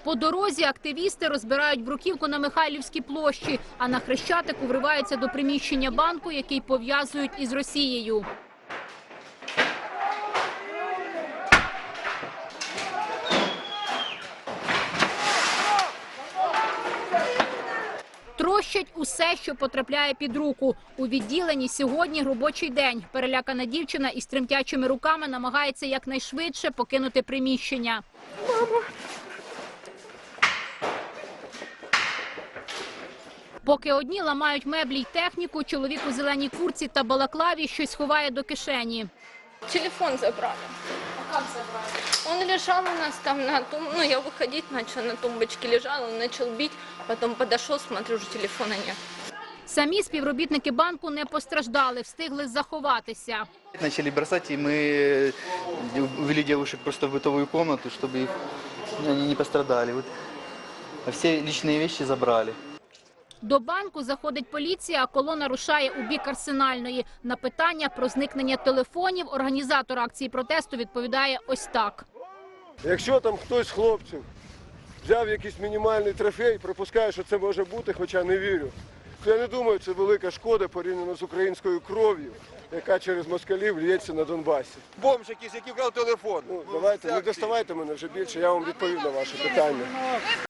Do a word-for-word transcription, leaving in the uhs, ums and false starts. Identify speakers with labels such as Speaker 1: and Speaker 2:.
Speaker 1: По дорозі активісти розбирають бруківку на Михайлівській площі, а на Хрещатику вриваються до приміщення банку, який пов'язують із Росією. Трощать усе, що потрапляє під руку. У відділенні сьогодні робочий день. Перелякана дівчина із тремтячими руками намагається якнайшвидше покинути приміщення. Мама. Поки одні ламають меблі й техніку, чоловік у зеленій куртці та балаклаві щось ховає до кишені.
Speaker 2: Телефон забрали.
Speaker 1: А як забрали?
Speaker 2: Он лежал у нас там на тум... ну я выходить начала, на тумбочке лежал, он начал бить, потом подошел, смотрю, уже телефона нет.
Speaker 1: Самі співробітники банку не постраждали, встигли заховатися.
Speaker 3: Начали бросать, и мы увели девушек просто в бытовую комнату, чтобы их, они не пострадали. Вот. А все личные вещи забрали.
Speaker 1: До банку заходить поліція, а колона рушає у бік Арсенальної. На питання про зникнення телефонів організатор акції протесту відповідає ось так.
Speaker 4: Якщо там хтось з хлопців взяв якийсь мінімальний трофей, припускаю, що це може бути, хоча не вірю, то я не думаю, це велика шкода порівняно з українською кров'ю, яка через москалів лється на Донбасі.
Speaker 5: Бомж якийсь, який вкрав телефон.
Speaker 4: Ну, давайте, не доставайте мене вже більше, я вам відповів на ваше питання.